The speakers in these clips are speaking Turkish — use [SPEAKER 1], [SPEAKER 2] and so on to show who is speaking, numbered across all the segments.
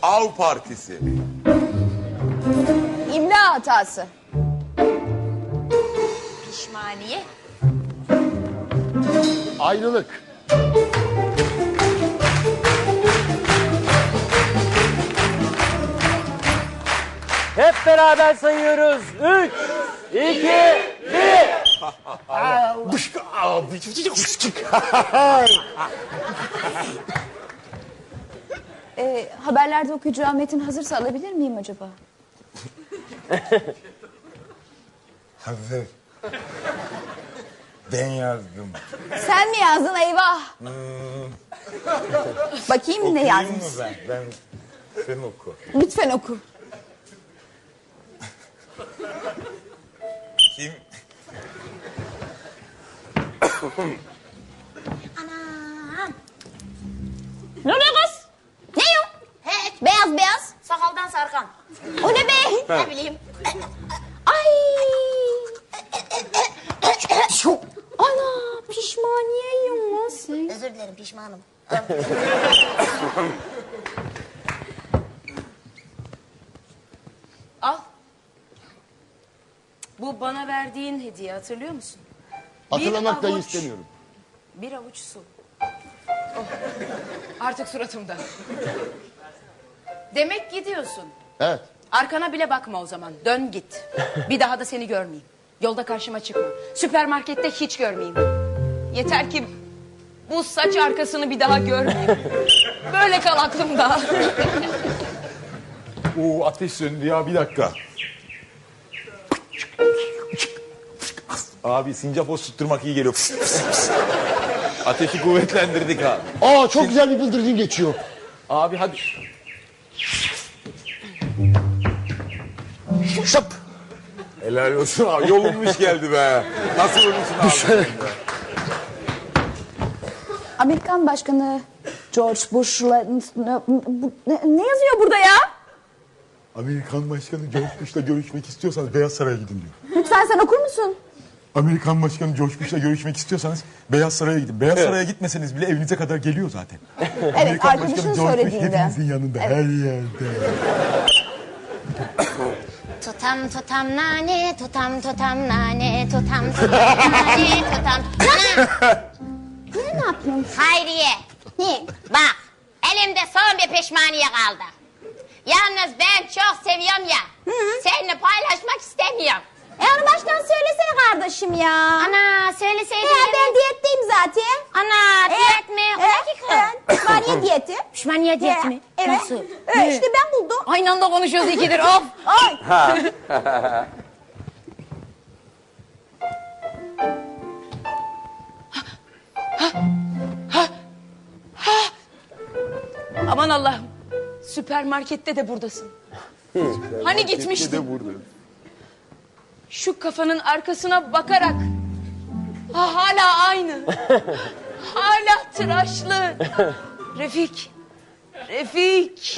[SPEAKER 1] Av Partisi.
[SPEAKER 2] İmla hatası.
[SPEAKER 3] Pişmaniye.
[SPEAKER 4] Ayrılık.
[SPEAKER 5] Hep beraber sayıyoruz. 3, 2, 1.
[SPEAKER 2] Haberlerde okuyacağı metin hazırsa alabilir miyim acaba?
[SPEAKER 1] Hazır. Ben yazdım.
[SPEAKER 2] Sen mi yazdın eyvah? Bakayım ne
[SPEAKER 1] Okuyayım
[SPEAKER 2] yazmış.
[SPEAKER 1] mı ben? Sen oku.
[SPEAKER 2] Lütfen oku.
[SPEAKER 1] Kim?
[SPEAKER 3] Anam.
[SPEAKER 2] Ne oluyor kız? Ne yok?
[SPEAKER 3] Hiç.
[SPEAKER 2] Beyaz beyaz.
[SPEAKER 3] Sakaldan sarkan.
[SPEAKER 2] O ne be?
[SPEAKER 3] Ne bileyim.
[SPEAKER 2] Ay. Ana pişmaniye yiyorsun sen.
[SPEAKER 3] Özür dilerim, pişmanım.
[SPEAKER 6] Al. Bu bana verdiğin hediye, hatırlıyor musun?
[SPEAKER 4] Hatırlamak dahi
[SPEAKER 6] avuç.
[SPEAKER 4] istemiyorum.
[SPEAKER 6] Bir avuç su. Oh. Artık suratımda. Demek gidiyorsun.
[SPEAKER 4] Evet.
[SPEAKER 6] Arkana bile bakma o zaman. Dön git. Bir daha da seni görmeyeyim. Yolda karşıma çıkma. Süpermarkette hiç görmeyeyim. Yeter ki bu saç arkasını bir daha görmeyeyim. Böyle kal aklımda.
[SPEAKER 1] Oo, ateş söndü ya, bir dakika. Abi sincap tutturmak iyi geliyor. Ateşi kuvvetlendirdik abi.
[SPEAKER 4] Aa çok güzel bir bıldırcın geçiyor.
[SPEAKER 1] Abi hadi.
[SPEAKER 4] Şap.
[SPEAKER 1] Helal olsun abi, yolunmuş geldi be. Nasıl olursun abi?
[SPEAKER 2] Amerikan Başkanı George Bush'la... Ne yazıyor burada ya?
[SPEAKER 7] Amerikan Başkanı George Bush'la görüşmek istiyorsanız Beyaz Saray'a gidin diyor.
[SPEAKER 2] Lütfen sen okur musun?
[SPEAKER 7] Amerikan Başkanı George Bush'la görüşmek istiyorsanız Beyaz Saray'a gidin. Beyaz Saray'a gitmeseniz bile evinize kadar geliyor zaten.
[SPEAKER 2] Evet
[SPEAKER 7] Amerikan
[SPEAKER 2] arkadaşın
[SPEAKER 7] Başkanı George Bush
[SPEAKER 2] söylediğinde.
[SPEAKER 7] hepinizin yanında,
[SPEAKER 2] Evet.
[SPEAKER 7] her yerde.
[SPEAKER 3] Tutam nane, tutam nane, tutam nane, tutam.
[SPEAKER 2] Ne yapıyorsun?
[SPEAKER 3] Hayriye.
[SPEAKER 2] Ne?
[SPEAKER 3] Bak, elimde son bir pişmaniye kaldı. Yalnız ben çok seviyorum ya. Seninle paylaşmak istemiyorum.
[SPEAKER 2] Onu baştan söylesene kardeşim ya.
[SPEAKER 3] Ana söyleseydin.
[SPEAKER 2] Ben diyetteyim zaten.
[SPEAKER 3] Ana diyet mi? O dakika.
[SPEAKER 2] Pişmaniye diyeti.
[SPEAKER 3] Pişmaniye diyet mi?
[SPEAKER 2] Evet.
[SPEAKER 3] Nasıl?
[SPEAKER 2] İşte ben buldum.
[SPEAKER 6] Aynı anda konuşuyoruz ikidir. Of.
[SPEAKER 2] Ay.
[SPEAKER 6] Aman Allah'ım. Süpermarkette de buradasın. Hani gitmiştin? Şu kafanın arkasına bakarak. Ha, hala aynı. Hala tıraşlı. Refik. Refik.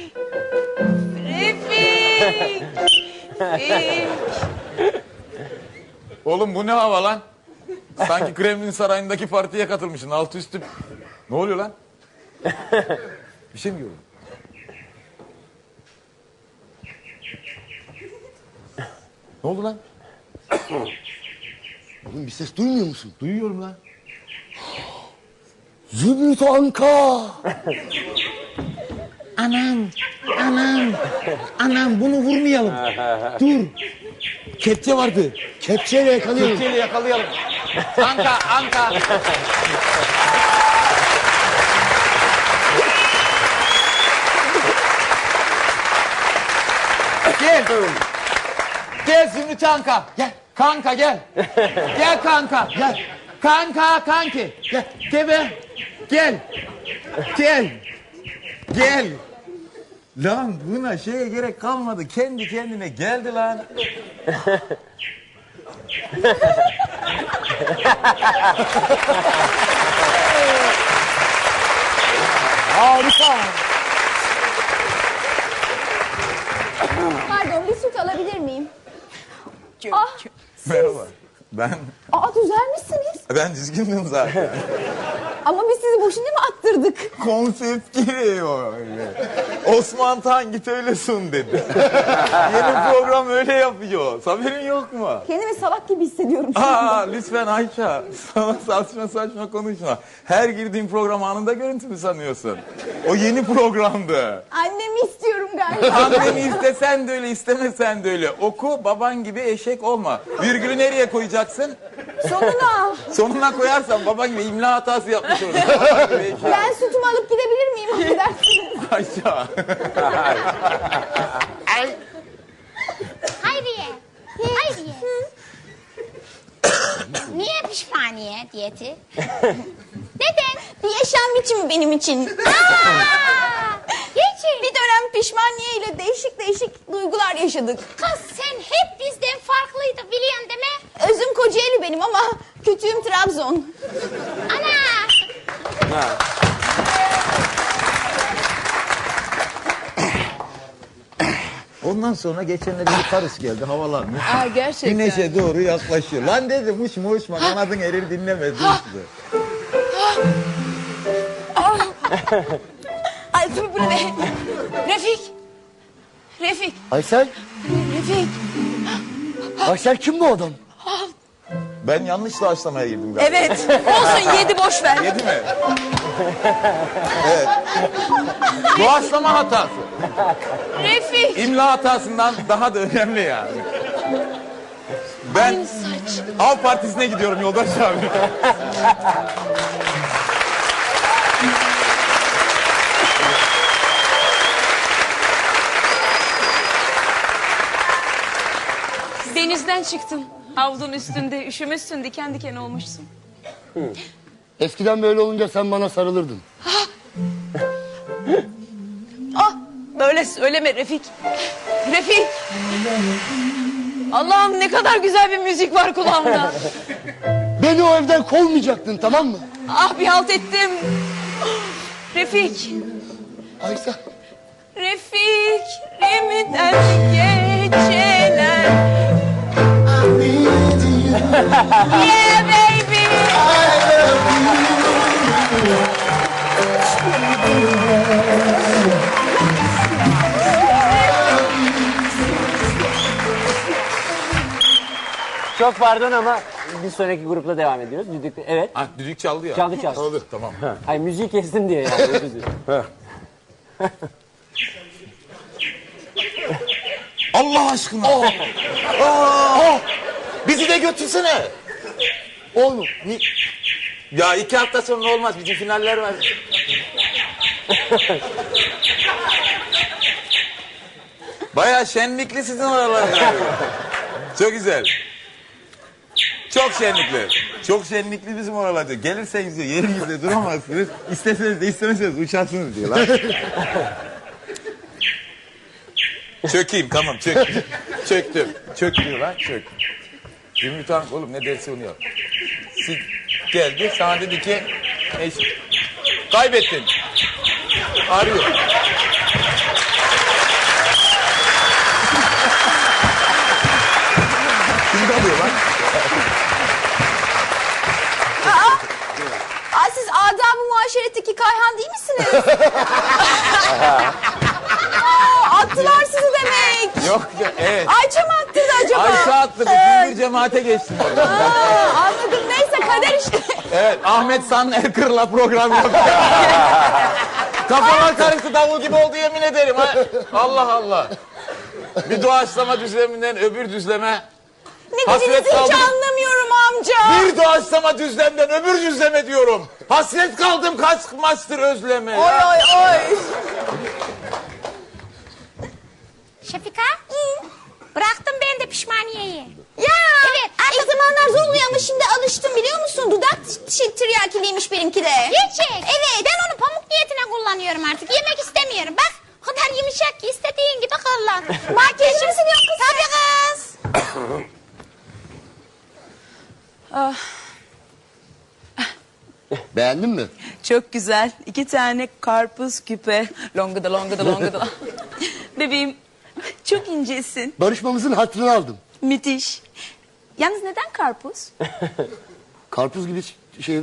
[SPEAKER 6] Refik. Refik.
[SPEAKER 1] Oğlum bu ne hava lan? Sanki Kremlin Sarayı'ndaki partiye katılmışsın, altı üstü. Ne oluyor lan? Bir şey mi gördün? Ne oldu lan?
[SPEAKER 4] Oğlum bir ses duymuyor musun?
[SPEAKER 1] Duyuyorum lan.
[SPEAKER 4] Zümrüt Anka.
[SPEAKER 8] Anam bunu vurmayalım. Dur. Kepçe vardı.
[SPEAKER 4] Kepçeyle yakalayalım.
[SPEAKER 8] Kepçeyle yakalayalım. Anka. Gel. Gel Zümrüt Anka. Gel. Kanka gel. Gel kanka. Gel. Kanka kanki. Gel. Gel be. Gel. Gel.
[SPEAKER 1] Gel. Lan buna şeye gerek kalmadı. Kendi kendine geldi lan.
[SPEAKER 4] Harika.
[SPEAKER 2] Pardon bir süt alabilir miyim?
[SPEAKER 1] Merhaba. Ben
[SPEAKER 2] Düzelmişsiniz.
[SPEAKER 1] dizgindim zaten.
[SPEAKER 2] Ama biz sizi boşuna mı attırdık?
[SPEAKER 1] Konsept giriyor öyle. Osman Tan git öyle sun dedi. Yeni program öyle yapıyor. Haberin yok mu?
[SPEAKER 2] Kendimi salak gibi hissediyorum şu anda.
[SPEAKER 1] Aa, lütfen Ayça. Sana saçma konuşma. Her girdiğin program anında görüntü mü sanıyorsun? O yeni programdı.
[SPEAKER 2] Annemi istiyorum galiba.
[SPEAKER 1] Anneni istesen de öyle, istemesen de öyle. Oku, baban gibi eşek olma. Virgülü nereye koyacaksın?
[SPEAKER 2] Sonuna.
[SPEAKER 1] Sonuna koyarsan baban gibi imla hatası yapmış olur.
[SPEAKER 2] Ben sütümü alıp gidebilir miyim? Affedersiniz.
[SPEAKER 1] Ayça.
[SPEAKER 3] Hayriye. Hayriye. Niye pişmaniye diyeti? Neden?
[SPEAKER 2] Bir yaşam biçimi benim için.
[SPEAKER 3] Geçin.
[SPEAKER 2] Bir dönem pişmaniye ile değişik duygular yaşadık.
[SPEAKER 3] Kız sen hep bizden farklıydın biliyorsun değil mi?
[SPEAKER 2] Özüm Kocaeli benim ama kütüğüm Trabzon.
[SPEAKER 3] Ana.
[SPEAKER 1] Ondan sonra geçenlerde bir karısı geldi havalanmış.
[SPEAKER 6] Aa, gerçekten.
[SPEAKER 1] Güneşe doğru yaklaşıyor. Lan dedim uçma kanadın erir dinlemez. Uçtu.
[SPEAKER 2] Ay dur bu ne?
[SPEAKER 6] Refik.
[SPEAKER 4] Aysel.
[SPEAKER 6] Refik.
[SPEAKER 4] Aysel kim bu adam?
[SPEAKER 1] Ben yanlış doğaçlamaya girdim galiba.
[SPEAKER 6] Evet. Olsun 7 boş ver.
[SPEAKER 1] Yedi mi? Evet. Doğaçlama hatası.
[SPEAKER 6] Refik.
[SPEAKER 1] İmla hatasından daha da önemli yani. Ben Av Partisi'ne gidiyorum yoldaş abi.
[SPEAKER 6] Denizden çıktın. Havlunun üstünde üşümüşsün, diken diken olmuşsun.
[SPEAKER 4] Eskiden böyle olunca sen bana sarılırdın.
[SPEAKER 6] Ah, böyle söyleme Refik. Refik. Allah'ım ne kadar güzel bir müzik var kulağımda.
[SPEAKER 4] Beni o evden kovmayacaktın, tamam mı?
[SPEAKER 6] Ah bir halt ettim. Refik.
[SPEAKER 4] Aysel.
[SPEAKER 6] Refik. Remiden geceler. Yeah baby.
[SPEAKER 5] Çok pardon ama bir sonraki grupla devam ediyoruz. Düdük, evet.
[SPEAKER 1] Ah düdük çaldı ya.
[SPEAKER 5] Çaldı.
[SPEAKER 1] Tamam.
[SPEAKER 5] Hayır müziği kestin diye yani. özür dilerim.
[SPEAKER 1] Allah aşkına. Bizi de götürsene.
[SPEAKER 4] Oğlum.
[SPEAKER 1] Ya 2 hafta sonra olmaz. Bizim finaller var. Bayağı şenlikli sizin oralar. Çok güzel. Çok şenlikli. Çok şenlikli bizim oralarda. Gelirseniz diyor yerinizde duramazsınız. İsteseniz de istemeseniz uçarsınız diyorlar. Çökeyim tamam çök. Çöktüm. Çök diyorlar çök. Zümrüt Hanım oğlum ne derse onu yap. Geldi sana dedi ki kaybettin. Arıyor. Kimde alıyor lan?
[SPEAKER 2] Aa, siz adab-ı muaşeretteki Kayhan değil misiniz? Aa, attılar sizi demek.
[SPEAKER 1] Yok ya evet.
[SPEAKER 2] Ayça mı attırdı acaba?
[SPEAKER 1] Ayşe attı bütün bir cemaate geçtim orada.
[SPEAKER 2] Aa, anladım neyse kader işte.
[SPEAKER 1] Evet Ahmet San Erkır'la program yapıyor. Kafalar karıştı davul gibi oldu yemin ederim. Ha. Allah Allah. Bir doğaçlama düzleminden öbür düzleme.
[SPEAKER 2] Ne
[SPEAKER 1] Hasret
[SPEAKER 2] dediğinizi hiç
[SPEAKER 1] kaldım.
[SPEAKER 2] anlamıyorum amca.
[SPEAKER 1] Bir doğaçlama düzlemden öbür düzleme diyorum. Hasret kaldım kaç maçtır özleme.
[SPEAKER 2] Oy
[SPEAKER 1] Ya.
[SPEAKER 2] oy oy.
[SPEAKER 3] Şefika. Bıraktım ben de pişmaniyeyi.
[SPEAKER 2] Ya
[SPEAKER 3] Evet.
[SPEAKER 2] ilk zamanlar zor oluyor ama şimdi alıştım biliyor musun? Dudak tiryakiliymiş benimki de.
[SPEAKER 3] Gerçek.
[SPEAKER 2] Evet.
[SPEAKER 3] Ben onu pamuk niyetine kullanıyorum artık. Yemek istemiyorum. Bak o kadar yumuşak ki istediğin gibi kullan.
[SPEAKER 2] Makyajı mısın yok kız?
[SPEAKER 3] Tabii kız.
[SPEAKER 4] Beğendin mi?
[SPEAKER 6] Çok güzel. 2 tane karpuz küpe. Longada longada longada. Bebeğim çok incesin.
[SPEAKER 4] Barışmamızın hatırını aldım.
[SPEAKER 6] Müthiş. Yalnız neden karpuz?
[SPEAKER 4] Karpuz gibi şey...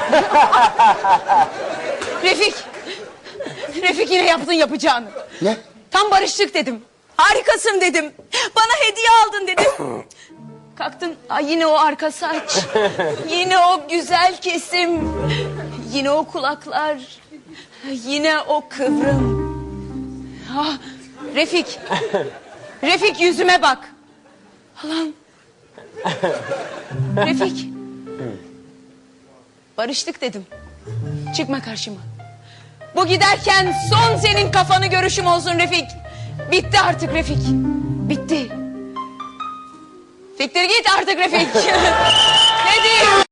[SPEAKER 6] Refik. Refik yine yaptın yapacağını.
[SPEAKER 4] Ne?
[SPEAKER 6] Tam barıştık dedim. Harikasın dedim. Bana hediye aldın dedim. Kalktın yine o arka saç. Yine o güzel kesim. Yine o kulaklar. Yine o kıvrım. Ah, Refik. Refik yüzüme bak. Allah'ım. Refik. Barıştık dedim. Çıkma karşıma. Bu giderken son senin kafanı görüşüm olsun Refik. Bitti artık Refik. Bitti. Siktir git artık Refik. Ne diyeyim?